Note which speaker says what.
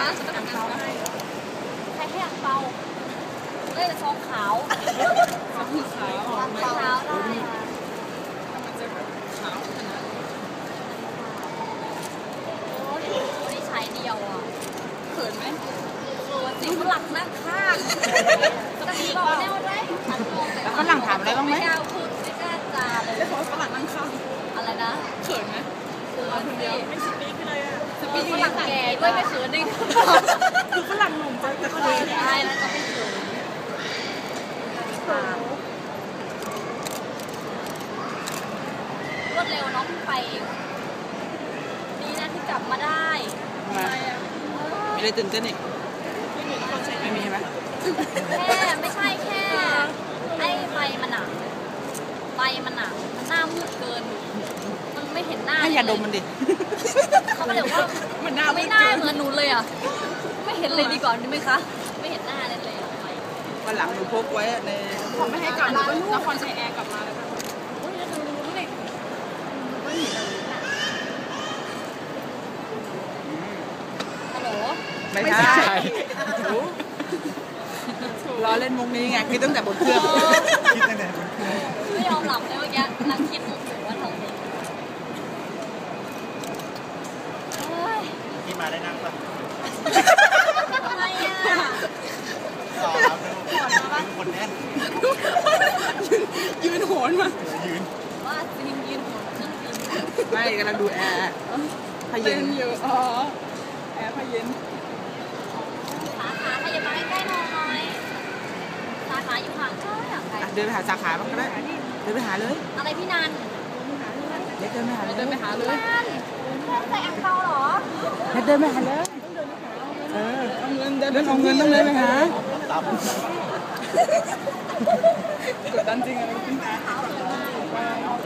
Speaker 1: ฉันต้องทำให้ใครให้อังเปาเล่นซองขาวซองขาวอังเปาได้มันจะขาวขนาดโอ้ยนี่ใช้เดียวอ่ะเขินไหมจริงหลักนั่งข้างจะมีบอกแนวได้แล้วฝรั่งถามอะไรบ้างไหมไม่กล้าพูดไม่กล้าจาเลยเพราะฝรั่งนั่งข้างอะไรนะเขินไหมคนเดียวไม่สปีกเลยอ่ะสปีกฝรั่งแก่ด้วยไม่เขินดิคือฝรั่งหนุ่มจะคุยได้แล้วจะไม่เขินรวดเร็วน้องไปดีนะที่กลับมาได้
Speaker 2: มีอะไรตื่นเต้นอีกไม่มีใช่ไหม
Speaker 1: แค่ไม่ใช่แค่ไอ้ไฟมันหนักไฟมันหนักมันหน้ามืดเกินมันไม่เห็นหน้า
Speaker 2: ให้ยาดมมันดิ
Speaker 1: เขาก็เลยว่ามันหน้าไม่น่าเหมือนหนูเลยอ่ะไม่เห็นเลยดีกว่าดีไหมคะไม่เห็นหน้าเลย
Speaker 2: วันหลังหนูพกไว้ใน
Speaker 1: เขาไม่ให้กลับมานครชัยแอร์กลับมาเลยค่ะโอ้ยจะรู้เลยฮัลโหล
Speaker 2: ไม่ใช่รอเล่นมุกนี้ไงคิดตั้งแต่บนเครื่อง
Speaker 3: คิดตั้งแต่บนเครื่อง
Speaker 1: ไม่ยอมหลับเลยเมื่อกี้นั่งคิดมุกอยู่ว่าทำไง
Speaker 3: ที่มาได้นั่งปะ
Speaker 1: ทำไมอ่ะ
Speaker 3: รอรับดูคนแน่น
Speaker 2: ยืนโหนมา
Speaker 3: ยืน
Speaker 1: ว่าจริงยืนหัวนั่งจริง
Speaker 2: ไม่กำลังดูแอร์พาเย็นอยู่อ๋อแอร์พาเย็น
Speaker 1: สาขาขยับมาใกล้ๆหน่อยสาขาอยู่ห่างเท่าไหร่ไกล
Speaker 2: เดินไปหาสาขาบ้างก็ได้เดินไปหาเลย
Speaker 1: อะไรพี่นัน
Speaker 2: เด็กเดินไปหาเลยเดินไปหาเลย
Speaker 1: ใส่อังเปาเหรอ
Speaker 2: เดินไปหาเลยเอาเงินเดินเอาเงินต้องเลยไปหากดดันจริงอะไร